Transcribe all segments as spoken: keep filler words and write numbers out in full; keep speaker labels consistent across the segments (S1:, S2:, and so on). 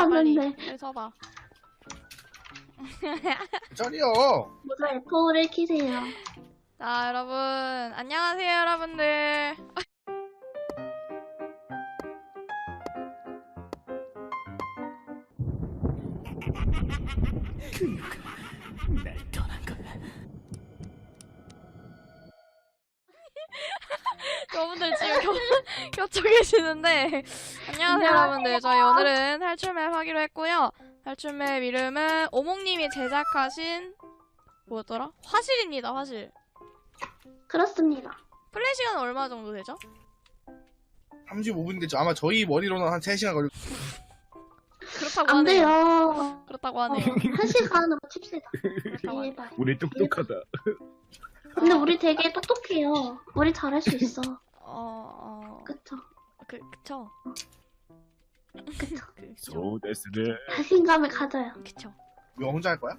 S1: 빨리
S2: 하는데.
S1: 빨리 서봐.
S3: 저리요.
S2: 모두 에프오를 키세요.
S1: 자 여러분 안녕하세요 여러분들.
S4: 날 떠난 거야.
S1: 여러분들 지금 겨, 겹쳐 계시는데 안녕하세요 여러분들. 저희 오늘은 탈출맵 하기로 했고요. 탈출맵 이름은 오목님이 제작하신 뭐였더라? 화실입니다. 화실.
S2: 그렇습니다.
S1: 플레이 시간은 얼마 정도 되죠?
S3: 삼십오 분인데 아마 저희 머리로는 한 세 시간 걸릴
S1: 그렇다고
S2: 안
S1: 하네요.
S2: 돼요.
S1: 그렇다고
S2: 어,
S1: 하네요.
S2: 한 시간으로 칩시다.
S1: 그렇다고 하네요.
S2: 제발.
S4: 우리 똑똑하다.
S2: 근데 우리 되게 똑똑해요. 우리 잘할 수 있어.
S1: 어... 어...
S2: 그쵸?
S1: 그, 그쵸?
S2: 그쵸?
S1: 그, 그쵸?
S4: 소데스네.
S2: 자신감을 가져요.
S1: 그쵸?
S3: 너 혼자 할 거야?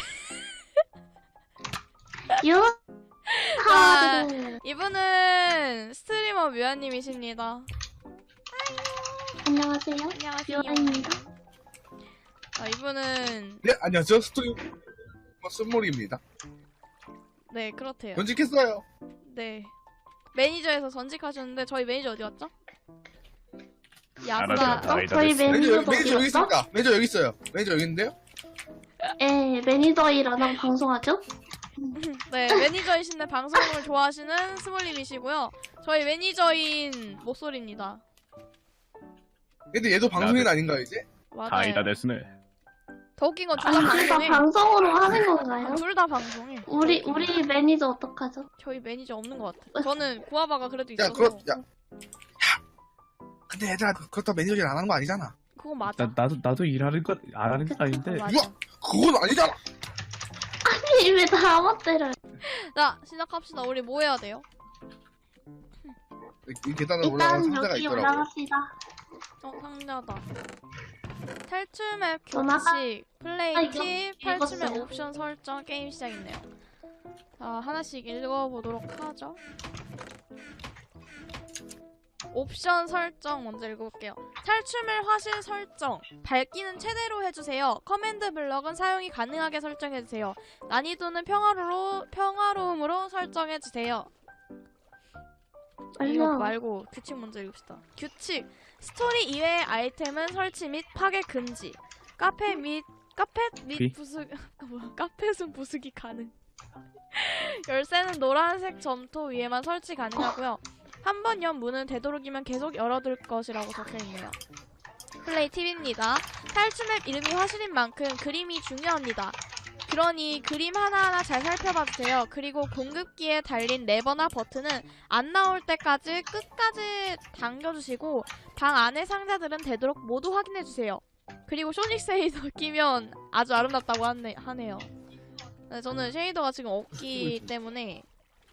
S2: 유
S1: 아,
S2: 하드.
S1: 이분은 스트리머 뮤아님이십니다.
S2: 안녕하세요.
S1: 안녕하세요.
S2: 뮤아입니다.
S1: 아, 이분은
S3: 네, 안녕하세요. 스토리 쓴몰이입니다.
S1: 네 그렇대요.
S3: 전직했어요.
S1: 네 매니저에서 전직하셨는데 저희 매니저 어디 갔죠?
S4: 알았다.
S1: 야사.
S4: 아이다
S2: 저희
S4: 됐어.
S3: 매니저, 여기-
S2: 매니저도
S3: 매니저 여기
S2: 어디였어?
S3: 있습니다. 매니저 여기 있어요. 매니저 여기 있는데요?
S2: 예, 매니저 일 안 하고 방송하죠?
S1: 네 매니저이신데 방송을 좋아하시는 스몰님이시고요. 저희 매니저인 목소리입니다.
S3: 근데 얘도 방송인
S4: 나도-
S3: 아닌가요 이제?
S1: 맞아요.
S4: 아이다 됐네.
S1: 더 웃긴 건 둘 다
S2: 아니, 둘 다
S1: 방송해.
S2: 방송으로 하는 건가요?
S1: 둘 다 방송해.
S2: 우리, 우리 매니저 어떡하죠?
S1: 저희 매니저 없는 것 같아. 저는 구아바가 그래도
S3: 야,
S1: 있어서.
S3: 그렇, 야. 야. 근데 얘들아, 그렇다고 매니저 일 안 하는 거 아니잖아.
S1: 그건 맞아.
S4: 나 나도 나도 일하는 거 안 하는 거 아닌데.
S1: 맞아.
S3: 우와! 그건 아니잖아!
S2: 아니, 왜 다 멋대로.
S1: 자 시작합시다. 우리 뭐 해야 돼요?
S3: 이 계단을 올라가는
S2: 일단
S3: 상자가
S2: 여기
S3: 있더라고.
S2: 올라갑시다.
S1: 어 상자다. 탈출맵
S2: 전화가-
S1: 규칙, 플레이
S2: 아, 이거
S1: 팁, 탈출맵
S2: 읽었어요.
S1: 옵션 설정, 게임 시작이네요. 자 하나씩 읽어보도록 하죠. 옵션 설정 먼저 읽어볼게요. 탈출맵 화실 설정. 밝기는 최대로 해주세요. 커맨드 블럭은 사용이 가능하게 설정해주세요. 난이도는 평화로, 평화로움으로 설정해주세요. 이거
S2: 알려.
S1: 말고 규칙 먼저 읽읍시다. 규칙. 스토리 이외의 아이템은 설치 및 파괴 금지. 카페 및 카페 및
S4: 비?
S1: 부수 뭐야? 카펫은 부수기 가능. 열쇠는 노란색 점토 위에만 설치 가능하고요. 한 번 연 문은 되도록이면 계속 열어둘 것이라고 적혀있네요. 플레이 팁입니다. 탈출맵 이름이 화실인 만큼 그림이 중요합니다. 그러니 그림 하나하나 잘 살펴봐주세요. 그리고 공급기에 달린 레버나 버튼은 안 나올 때까지 끝까지 당겨주시고 방 안의 상자들은 되도록 모두 확인해주세요. 그리고 쇼닉 쉐이더 끼면 아주 아름답다고 하네, 하네요. 네, 저는 쉐이더가 지금 없기 때문에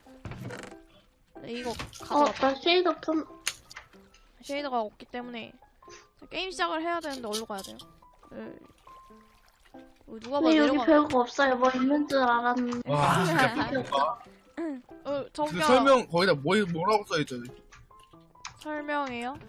S1: 네, 이거
S2: 어,
S1: 가져갔다.
S2: 나 쉐이더 좀.
S1: 쉐이더가 없기 때문에 게임 시작을 해야 되는데 어디로 가야 돼요? 네. 어, 누가 봐도
S2: 근데 여기
S1: 내려가.
S2: 별거 없어요. 뭐 있는 줄 알았는데.
S3: 와, 진짜 삐끗다.
S1: 어,
S3: 근데
S1: 저기요.
S3: 설명 거기다 뭐, 뭐라고 써있죠?
S1: 설명해요.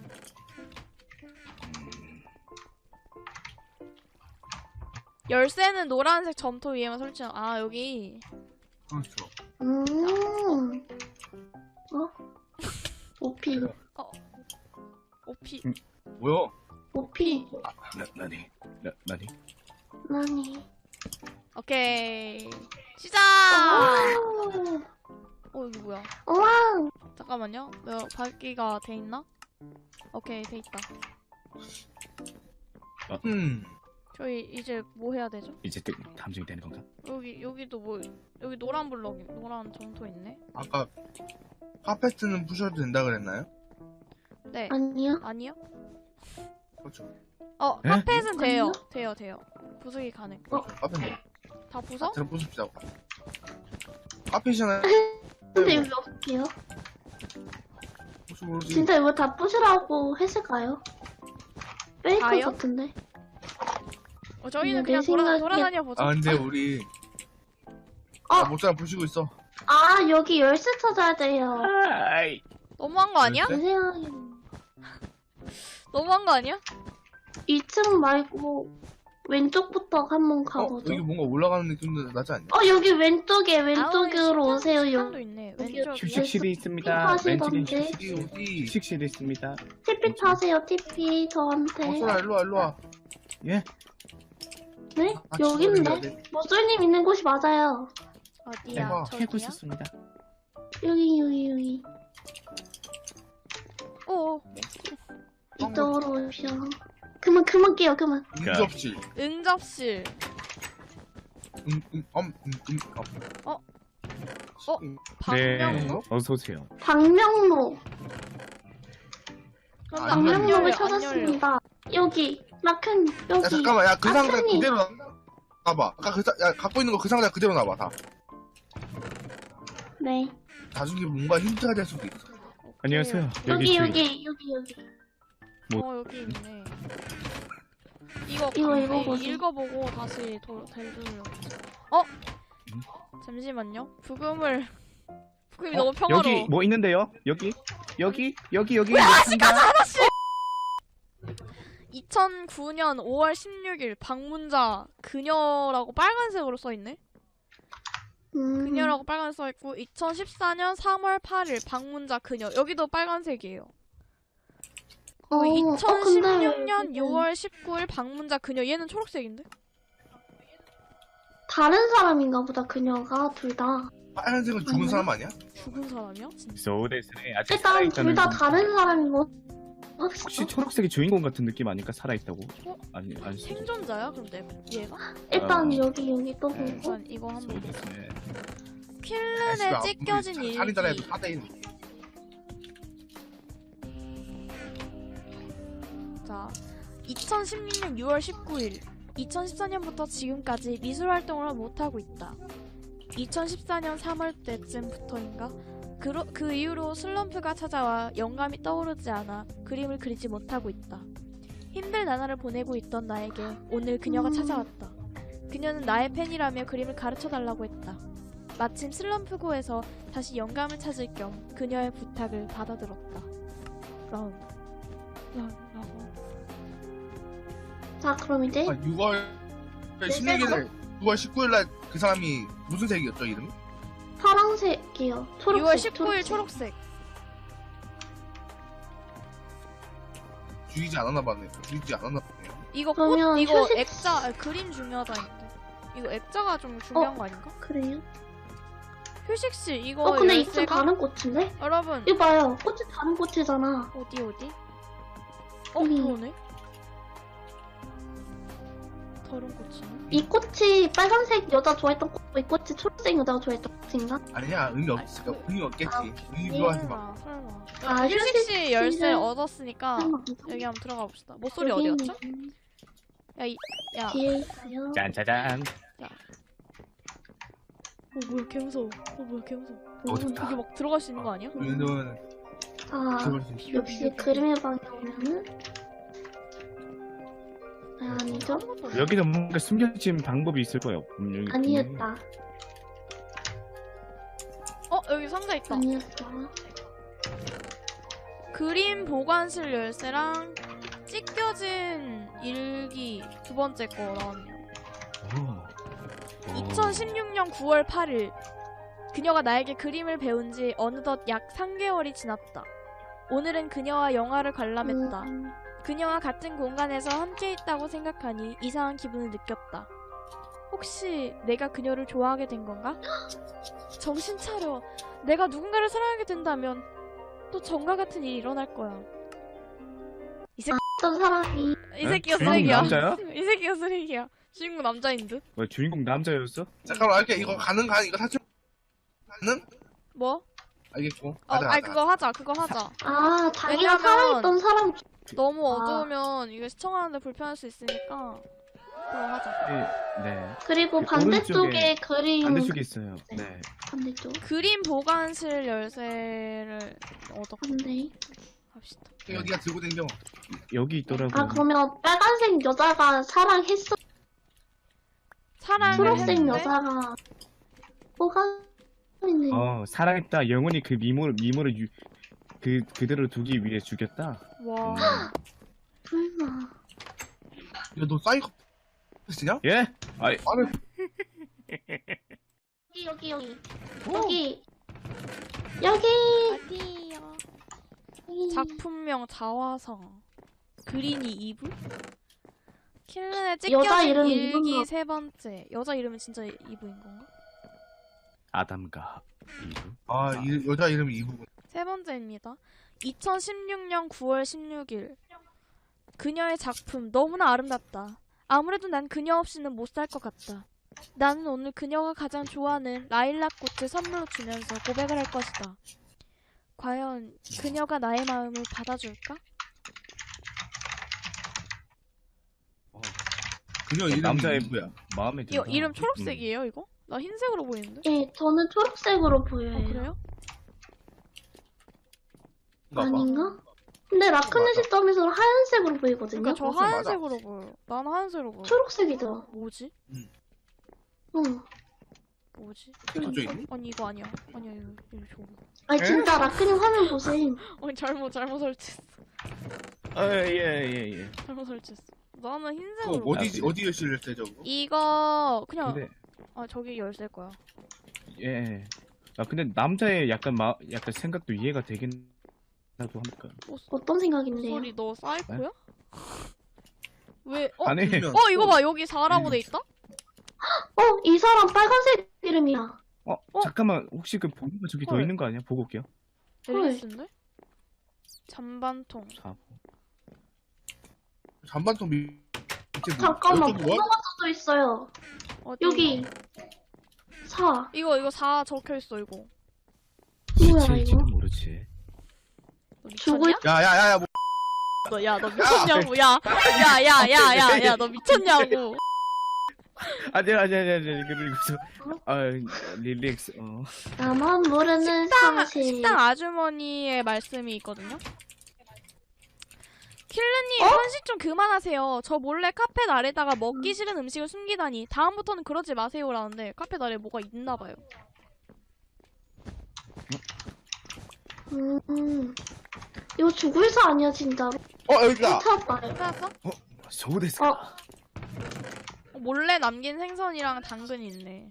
S1: 열쇠는 노란색 점토 위에만 설치. 아 여기.
S3: 그렇죠.
S2: 음. 어? 오피.
S1: 오피.
S3: 뭐야?
S2: 오피.
S3: 아,
S4: 나 나니 나 나니.
S2: 나니.
S1: 오케이. 시작.
S2: 오.
S1: 어 여기 뭐야?
S2: 우와.
S1: 잠깐만요. 내가 밝기가 돼 있나? 오케이 돼 있다.
S3: 음.
S1: 저희 이제 뭐 해야 되죠?
S4: 이제 또 탐정이 되는 건가?
S1: 여기 여기도 뭐 여기 노란 블럭이 노란 점토 있네.
S3: 아까 카페트는 부셔도 된다 그랬나요?
S1: 네.
S2: 아니요.
S1: 아니요?
S3: 그렇죠.
S1: 어
S4: 에?
S1: 카펫은 돼요.
S2: 아니요?
S1: 돼요 돼요. 부수기 가능.
S3: 그렇죠. 카페트.
S1: 다 부숴?
S3: 들어 부숩시다. 카페시잖아요.
S2: 근데 여기 어떡해요?
S3: 혹시 모르지?
S2: 진짜 이거 다 부시라고 했을까요? 페이크
S1: 다요?
S2: 같은데.
S1: 어, 저희는
S2: 내
S1: 그냥 돌아,
S2: 생각에-
S1: 돌아다녀 보죠.
S3: 아, 근데 우리
S2: 어.
S3: 아, 못잘 부시고 있어.
S2: 아, 여기 열쇠 찾아야 돼요.
S4: 아이.
S1: 너무한 거 아니야?
S3: 네?
S2: 내 생각에.
S1: 너무한 거 아니야?
S2: 이 층 말고 왼쪽부터 한번
S3: 어?
S2: 가보죠.
S3: 여기 뭔가 올라가는 느낌도 나지 않냐?
S2: 어 여기 왼쪽에
S1: 아우,
S2: 왼쪽으로
S1: 식당-
S2: 오세요.
S1: 식당도
S2: 여기
S1: 있네.
S2: 여기
S1: 왼쪽이요?
S4: 휴식실이 있습니다.
S2: 픽하시던데.
S4: 왼쪽에
S3: 어디 어디?
S4: 휴식실이 있습니다.
S2: 티피 타세요. 티피
S3: 어
S2: 저한테.
S3: 소라 일로와 일로와.
S4: 예?
S2: 네?
S3: 아,
S2: 여기
S3: 지금
S2: 있는데?
S3: 어디야?
S2: 모쏠님 있는 곳이 맞아요.
S1: 어디야?
S3: 대박.
S4: 캐고
S1: 저기야?
S4: 있었습니다.
S2: 여기 여기 여기.
S1: 오,
S2: 이쪽으로 오시오. 그만 그만 깨요 그만.
S3: 응접실.
S1: 응접실.
S3: 응응엄응응
S1: 어? 어?
S4: 네,
S1: 방명록?
S4: 어서 오세요.
S2: 방명로.
S1: 근데
S3: 안
S1: 안 열려,
S2: 방명록을
S1: 안 열려.
S2: 찾았습니다. 여기 라큰
S3: 야
S2: 여기.
S3: 잠깐만 야 그 상자
S2: 아칸이.
S3: 그대로 놔봐. 아까 그 사, 야 갖고 있는 거 그 상자 그대로 놔봐 다.
S2: 네.
S3: 나중에 뭔가 힌트가 될 수도 있어.
S4: 안녕하세요.
S2: 여기
S4: 저희-
S2: 여기 여기 여기.
S1: 어, 여기 있네. 이거,
S2: 이거
S1: 강-
S2: 읽어보세요.
S1: 이- 읽어보고 다시 도, 되돌려. 어? 잠시만요. 부금을. 부금이
S4: 어,
S1: 너무 평화로워.
S4: 여기 뭐 있는데요? 여기? 여기? 여기 여기
S1: 아씨,
S4: 있습니다.
S1: 가자, 아저씨! 이천구 년 오월 십육일 방문자 그녀라고 빨간색으로 써있네?
S2: 음.
S1: 그녀라고 빨간색 써있고 이천십사 년 삼월 팔일 방문자 그녀 여기도 빨간색이에요.
S2: 어,
S1: 어,
S2: 어,
S1: 이천십육 년
S2: 근데
S1: 유월 십구일 방문자 그녀 얘는 초록색인데?
S2: 다른 사람인가 보다 그녀가 둘 다.
S3: 빨간색은 죽은
S2: 아니야?
S3: 사람 아니야?
S1: 죽은 사람이야? 진짜?
S4: 소데스네 아직
S2: 일단 둘
S4: 살아있다는
S2: 다 다른 사람인 거.
S4: 혹시
S2: 혹시
S4: 초록색이 주인공 같은 느낌 아닐까? 살아있다고?
S1: 어?
S4: 아니 아니
S1: 생존자야? 그럼 내 얘가?
S2: 일단
S4: 어.
S2: 여기 여기 또
S4: 네.
S2: 보고.
S1: 우선 이거 한번
S4: 소데스네.
S1: 필름에 찢겨진 일기.
S3: 살인자라 해도 사 대 일.
S1: 자, 이천십육 년 유월 십구일 이천십사 년부터 지금까지 미술 활동을 못하고 있다. 이천십사 년 삼월 때쯤부터인가? 그, 그 이후로 슬럼프가 찾아와 영감이 떠오르지 않아 그림을 그리지 못하고 있다. 힘든 나날을 보내고 있던 나에게 오늘 그녀가
S2: 음.
S1: 찾아왔다. 그녀는 나의 팬이라며 그림을 가르쳐달라고 했다. 마침 슬럼프고에서 다시 영감을 찾을 겸 그녀의 부탁을 받아들었다. 라운드. 라운드.
S2: 자 그럼 이제
S3: 아, 유월 십육일 유월 십구일 날 그 사람이 무슨 색이었죠 이름이?
S2: 파란색이요. 초록색.
S1: 유월 십구일 초록색.
S3: 죽이지 않았나 봤네. 죽이지 않았나 보네.
S1: 이거 꽃,
S2: 그러면
S1: 이거
S2: 휴식-
S1: 액자, 아, 그림 중요하다는데. 이거 액자가 좀 중요한 거 아닌가?
S2: 그래요?
S1: 휴식실, 이거
S2: 어 근데 이쪽
S1: 열쇠가?
S2: 다른 꽃인데?
S1: 여러분,
S2: 이거 봐요. 꽃이 다른 꽃이잖아.
S1: 어디, 어디? 어,
S2: 여기.
S1: 그러네? 다른 꽃이네?
S2: 이 꽃이 빨간색 여자 좋아했던 꽃, 이 꽃이 초록색 여자가 좋아했던 꽃인가?
S3: 아니야 의미 없으니까 의미 없겠지.
S2: 아,
S3: 의미 좋아하지 마.
S1: 설마, 설마.
S2: 아,
S1: 휴식실
S2: 휴식실은-
S1: 열쇠 얻었으니까
S2: 설마.
S1: 여기 한번 들어가 봅시다. 목소리 어디
S2: 여기
S1: 갔죠?
S2: 있네.
S1: 야, 이, 야.
S2: 뒤에 있어요.
S4: 짠짜잔.
S1: 어, 뭐야, 개 무서워. 어, 뭐야, 개 무서워.
S3: 어, 좋다.
S1: 여기 막 들어갈 수 있는 거 아니야?
S3: 왜냐면
S2: 아
S3: 들어갈 수 있어.
S2: 역시 그림의 방에 오면은 아, 아니죠?
S4: 여기도 뭔가 숨겨진 방법이 있을 거예요. 분명히.
S2: 아니었다.
S1: 어, 여기 상자 있다.
S2: 아니었어.
S1: 그림 보관실 열쇠랑 찢겨진 일기 두 번째 거 나왔네요.
S4: 오. 오.
S1: 이천십육 년 구월 팔일 그녀가 나에게 그림을 배운 지 어느덧 약 삼 개월이 지났다. 오늘은 그녀와 영화를 관람했다.
S2: 음,
S1: 그녀와 같은 공간에서 함께 있다고 생각하니 이상한 기분을 느꼈다. 혹시 내가 그녀를 좋아하게 된 건가? 정신 차려. 내가 누군가를 사랑하게 된다면 또 정과 같은 일이 일어날 거야. 이 새끼,
S2: 어떤 사람이
S1: 이 새끼가
S4: 주인공
S1: 쓰레기야.
S4: 남자야?
S1: 이 새끼가 쓰레기야. 주인공 남자인 듯?
S4: 뭐 주인공 남자였어?
S3: 잠깐만 이렇게 이거 가능 가 이거 사실 가능?
S1: 뭐?
S3: 알겠고.
S1: 어,
S3: 가자,
S1: 아니
S3: 가자.
S1: 그거 하자. 그거 하자.
S2: 아 자기가
S1: 왜냐면-
S2: 살아있던 사람
S1: 너무
S2: 아.
S1: 어두우면 이거 시청하는데 불편할 수 있으니까 그거 하자.
S4: 네. 네.
S2: 그리고
S4: 그
S2: 반대쪽에
S4: 오른쪽에
S2: 그림
S4: 반대쪽에 있어요.
S2: 네.
S4: 네.
S2: 반대쪽
S1: 그림 보관실 열쇠를 얻어
S2: 반대.
S1: 갑시다.
S3: 여기가 들고 댕겨.
S4: 여기 있더라고.
S2: 아 그러면 빨간색 여자가 사랑했어.
S1: 사랑을
S2: 초록색
S1: 했는데
S2: 여자가 호감이네.
S4: 어 사랑했다. 영원히 그 미모를 미모를 유, 그 그대로 두기 위해 죽였다.
S1: 와.
S4: 음.
S2: 설마.
S3: 야, 너 사이코 쓰냐?
S4: 예? 아이,
S3: 아니,
S2: 여기, 여기, 여기.
S1: 어.
S2: 여기. 여기.
S1: 어디요?
S2: 여기.
S1: 작품명 자화성. 그린이 이브? 킬른에
S2: 여자
S1: 찍혀진
S2: 이름이
S1: 일기
S2: 이브인가?
S1: 세 번째. 여자 이름은 진짜 이브인 건가?
S4: 아담과 이브.
S3: 아, 이, 여자 이름이 이부분.
S1: 세 번째입니다. 이천십육 년 구월 십육일. 그녀의 작품 너무나 아름답다. 아무래도 난 그녀 없이는 못 살 것 같다. 나는 오늘 그녀가 가장 좋아하는 라일락 꽃을 선물로 주면서 고백을 할 것이다. 과연 그녀가 나의 마음을 받아줄까?
S3: 그녀 이름이
S4: 남자의
S3: 이부야.
S4: 마음에
S1: 이거
S4: 든다.
S1: 이름 초록색이에요, 이거? 나 흰색으로 보이는데?
S2: 예, 저는 초록색으로
S1: 어,
S2: 보여요.
S1: 그래요?
S3: 봐봐.
S2: 아닌가? 근데 라크네
S3: 맞아.
S2: 시점에서는 하얀색으로 보이거든요.
S1: 그러니까 저
S3: 맞아, 맞아.
S1: 하얀색으로 보여. 나는 하얀색으로 보여.
S2: 초록색이죠.
S1: 뭐지?
S2: 응.
S1: 뭐지?
S3: 저쪽에 있니?
S1: 아니 이거 아니야. 아니야 이거 이거 저거.
S2: 아니 진짜 라크네 화면 보세요.
S1: 아니 잘못 잘못 설치했어.
S4: 아, 예, 예, 예.
S1: 잘못 설치했어. 나는
S3: 그거
S1: 흰색으로.
S3: 어디, 어디 열쇠를 때 저거?
S1: 이거 그냥
S4: 근데,
S1: 아 저기 열쇠일 거야.
S4: 예. 아, 근데 남자의 약간 마, 약간 생각도 이해가 되긴 나도 합니까?
S2: 어떤 생각인데요?
S1: 소리 너 사이코야? 왜? 어?
S4: 아니,
S3: 그러면-
S1: 어 이거 봐 여기 사라고 돼 있다?
S2: 어, 이 사람 빨간색 이름이야.
S4: 어, 잠깐만, 혹시 그 보고가 저기 더
S1: 헐.
S4: 있는 거 아니야? 보고 올게요.
S1: 앨리스인데? 잔반통.
S4: 사.
S3: 잔반통 밑에 뭐-
S2: 잠깐만,
S3: 이쪽이 뭐야?
S2: 번호가 써져 있어요.
S1: 어디?
S2: 여기. 사.
S1: 이거 이거 사 적혀 있어 이거.
S2: 뭐야,
S4: 제일지도
S2: 이거?
S4: 모르지.
S1: 너
S2: 죽을
S1: 미쳤냐?
S3: 야, 야, 야, 야, 뭐.
S1: 너 야 너 미쳤냐고 야. 야 야 야 야 야 너 미쳤냐고.
S4: 아니, 아니, 아니, 아니, 그리고, 아, 릴렉스, 어.
S2: 나만 모르는
S1: 식당,
S2: 사실.
S1: 식당 아주머니의 말씀이 있거든요. 킬르님
S2: 어?
S1: 헌신 좀 그만하세요. 저 몰래 카펫 아래다가 먹기 싫은 음식을 숨기다니. 다음부터는 그러지 마세요라는데 카펫 아래 뭐가 있나봐요.
S2: 음. 이거 죽을사 아니야, 진짜로?
S3: 어, 여기다.
S2: 찾았다.
S1: 찾았어?
S4: 소데스.
S2: 어,
S1: 어, 몰래 남긴 생선이랑 당근이 있네.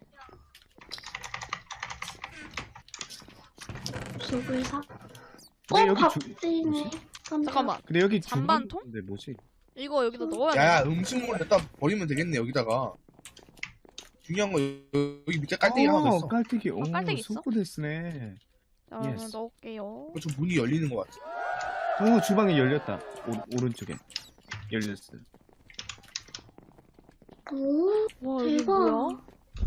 S2: 죽을사?
S4: 근데
S2: 어,
S4: 여기 주-
S2: 밥집이네.
S4: 뭐지?
S1: 잠깐만.
S4: 근데 여기
S1: 잔반통?
S4: 근데 뭐지?
S1: 이거 여기다 넣어야
S3: 야, 야,
S1: 돼.
S3: 음식물 갖다 버리면 되겠네, 여기다가. 중요한 거, 여기 밑에 깔때기 하나 더 있어.
S4: 깔때기. 오,
S1: 깔때기 있어?
S4: 소데스네.
S1: 자, 그러면
S4: 예스.
S1: 넣을게요.
S3: 어, 저 문이 열리는 것 같아.
S4: 오, 주방이 열렸다. 오, 오른쪽에. 열렸어.
S2: 오,
S1: 와 여기
S2: 대박.
S1: 뭐야?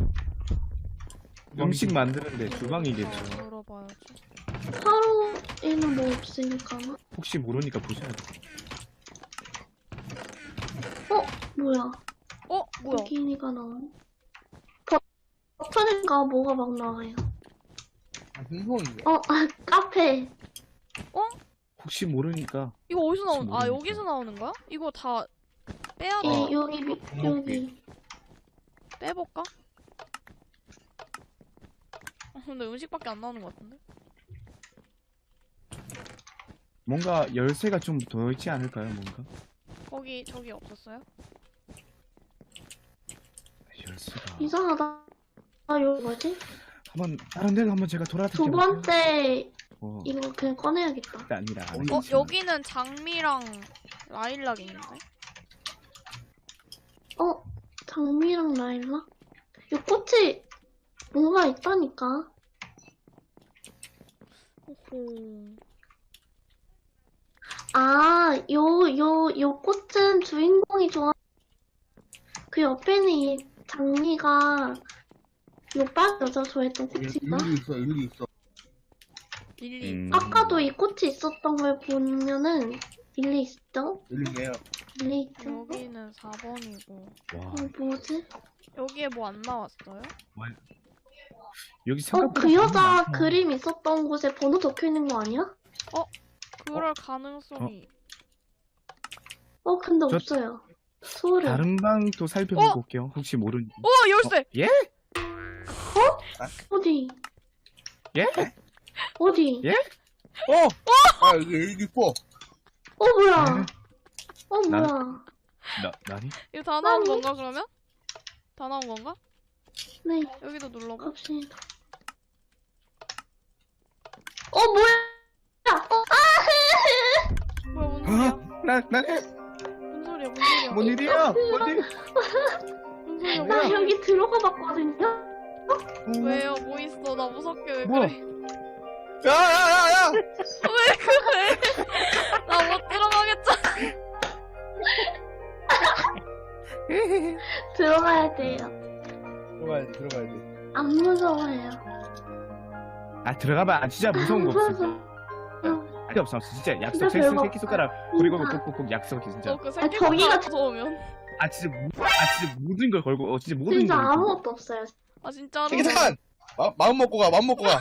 S4: 음식 만드는데 주방이겠죠.
S1: 어, 열어봐야지.
S2: 하루에는 뭐 없으니까.
S4: 혹시 모르니까 보셔야 돼.
S2: 뭐야?
S1: 어 뭐야?
S2: 비키니가 나오네. 버- 버튼인가 뭐가 막 나와요.
S3: 아, 흥성인데.
S2: 어, 아, 카페.
S4: 혹시 모르니까.
S1: 이거 어디서 나오는? 아
S4: 모르니까.
S1: 여기서 나오는 거야? 이거 다 빼야 돼.
S2: 예,
S3: 어.
S2: 여기, 미- 여기.
S1: 빼볼까? 아, 근데 음식밖에 안 나오는 것 같은데?
S4: 뭔가 열쇠가 좀 더 있지 않을까요, 뭔가?
S1: 거기 저기 없었어요?
S4: 열쇠가.
S2: 이상하다. 아, 여기 뭐지?
S4: 한번 다른 데로 한번 제가 돌아다녀.
S2: 두 번째,
S4: 어,
S2: 이거 그냥 꺼내야겠다.
S4: 아니라.
S3: 어,
S1: 어 여기는 장미랑 라일락 있는데?
S2: 어, 장미랑 라일락? 이 꽃이 뭔가 있다니까.
S1: 오호.
S2: 아, 요, 요, 요 꽃은 주인공이 좋아. 그 옆에는 이 장미가 요 빨 여자 좋아했던 꽃인가?
S3: 일리 있어, 일리 있어.
S1: 릴리.
S4: 음.
S2: 아까도 이 꽃이 있었던 걸 보면은 일리 있죠?
S3: 일리네요.
S2: 일리 있죠?
S1: 여기는 사 번이고
S4: 와,
S2: 어, 뭐지?
S1: 여기에 뭐 안 나왔어요?
S4: 여기
S2: 어,
S4: 생각보다
S2: 그 여자
S4: 많다.
S2: 그림 있었던 곳에 번호 적혀 있는 거 아니야?
S1: 그럴 가능성이
S2: 어, 근데
S4: 저-
S2: 없어요. 소름.
S4: 다른 방도 살펴보고
S1: 어?
S4: 올게요. 혹시 모르니.
S1: 어 열쇠!
S4: 예?
S2: 어디?
S4: 예?
S2: 어디?
S4: 예?
S3: 어! 아, 여기 일기 있어.
S2: 어, 뭐야?
S4: 네.
S2: 어,
S4: 난-
S2: 뭐야?
S4: 나 나니?
S1: 이거 다 나온
S2: 아니.
S1: 건가 그러면? 다 나온 건가?
S2: 네,
S1: 여기도 눌러봐.
S2: 갑시다. 어, 뭐야? 어, 아!
S1: 뭐야 뭔 소리야?
S4: 나 나.
S1: 뭔 소리야 뭔 소리야?
S4: 뭔 일이야? 뭔 일?
S1: 뭔 소리야?
S2: 나
S1: 뭐야?
S2: 여기 들어가 봤거든요?
S1: 왜요? 뭐 있어? 나 무섭게 왜
S4: 뭐야?
S1: 그래?
S3: 야야야야!
S1: 왜 그래? 나 못 들어가겠잖아.
S2: 들어가야 돼요.
S3: 들어가야 돼 들어가야 돼.
S2: 안 무서워요.
S4: 아 들어가봐. 아, 진짜 무서운 거 없어.
S2: 무서워서.
S4: 아니 없어 없어. 진짜 약속.
S2: 진짜
S4: 새,
S2: 별거
S4: 새끼 손가락 그리고
S2: 진짜.
S4: 꼭꼭꼭 약속해 진짜.
S1: 너그
S2: 아,
S1: 새끼
S2: 저기가
S1: 손가락 무서우면.
S4: 아 진짜 모- 아 진짜 모든 걸 걸고 어 진짜 모든
S2: 진짜
S4: 걸 걸고.
S2: 아무것도 없어요.
S1: 아 진짜로.
S3: 새끼 잠깐! 마, 마음 먹고 가 마음 먹고 가.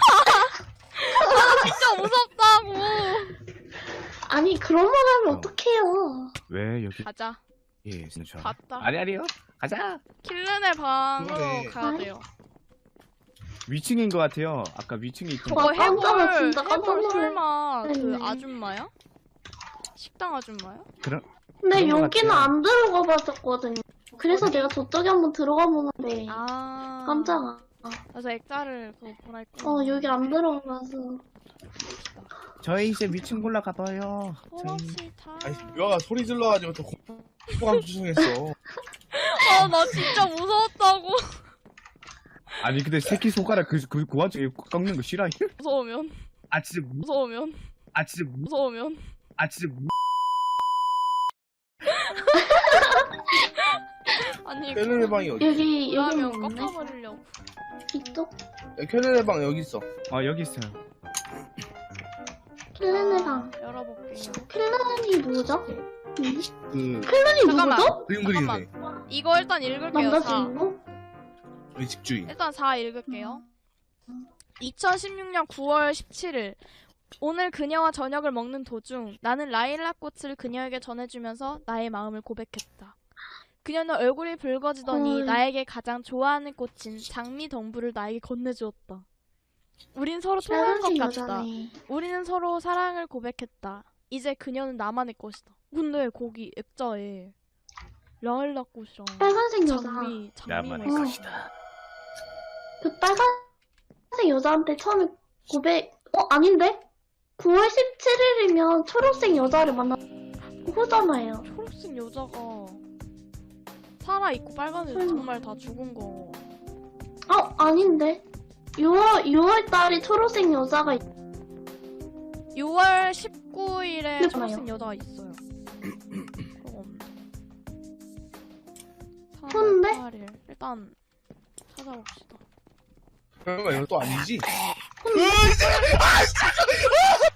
S1: 진짜 무섭다고.
S2: 아니, 그런 말 하면
S4: 어.
S2: 어떡해요.
S4: 왜 여기?
S1: 가자.
S4: 예 진짜.
S1: 갔다.
S4: 아니 아니요. 가자.
S1: 킬른의 방으로
S3: 그러네.
S1: 가야 돼요.
S4: 위층인 것 같아요. 아까 위층에 있던.
S1: 저거
S2: 와, 깜짝아,
S1: 해볼
S2: 진짜 깜짝
S1: 해볼
S2: 놀랐네.
S1: 설마 그
S2: 네.
S1: 아줌마야? 식당 아줌마야?
S4: 그런.
S2: 근데
S4: 그런 것
S2: 여기는
S4: 같아요.
S2: 안 들어가 봤었거든요. 그래서 내가 저쪽에 한번 들어가 보는데.
S1: 아.
S2: 깜짝아.
S1: 그래서 액자를 그거 보낼거.
S2: 어, 여기 안 들어가 봐서.
S4: 저희 이제 위층 올라가 봐요. 저희.
S1: 호박시타.
S3: 아니 묘아가 소리 질러가지고 또 공포감 조성했어.
S1: 아, 나 진짜 무서웠다고.
S4: 아니 근데 새끼 손가락 그그 그, 그 와중에 꺾는 거 싫어해?
S1: 무서우면.
S4: 아 진짜 무,
S1: 무서우면.
S4: 아 진짜 무,
S1: 무서우면.
S4: 아 진짜 무.
S1: 아니,
S3: 켈렌의 방이 어디?
S2: 여기, 여기
S1: 그러면
S2: 없네.
S1: 꺾어버리려고.
S2: 이쪽?
S3: 야, 켈렌의 방 여기 있어.
S4: 아 여기 있어요.
S2: 클랜의 방.
S1: 아, 열어볼게요.
S2: 클랜이 뭐죠? 음?
S3: 그
S2: 클랜이
S1: 잠깐만.
S2: 누구죠?
S3: 그림 그리는 애.
S1: 이거 일단 읽을게요.
S2: 남자
S1: 사.
S2: 주인공?
S3: 우리 집주인.
S1: 일단 사 읽을게요. 이천십육 년 구월 십칠일 오늘 그녀와 저녁을 먹는 도중 나는 라일락 꽃을 그녀에게 전해주면서 나의 마음을 고백했다. 그녀는 얼굴이 붉어지더니
S2: 헐.
S1: 나에게 가장 좋아하는 꽃인 장미 덩불을 나에게 건네주었다. 우린 서로 통한 것
S2: 빨간색
S1: 같다.
S2: 여자네.
S1: 우리는 서로 사랑을 고백했다. 이제 그녀는 나만의 것이다. 근데 거기 액자에 라일락 꽃이랑
S2: 빨간색 여자.
S1: 장미, 장미
S4: 나만의
S1: 뭐 있어.
S4: 것이다.
S2: 그 빨간색 여자한테 처음에 고백, 어, 아닌데? 구월 십칠일이면 초록색 여자를 만나, 그거잖아요.
S1: 초록색 여자가 살아있고 빨간색
S2: 설마.
S1: 정말 다 죽은 거.
S2: 어, 아닌데? 유월, 유월 달에 초록색 여자가 있,
S1: 유월 십구일에
S2: 네,
S1: 초록색
S2: 봐요.
S1: 여자가 있어요. 그거 없네.
S2: 근데?
S1: 삼월 팔일 일단 찾아봅시다.
S3: 그러면 이거 또 아니지?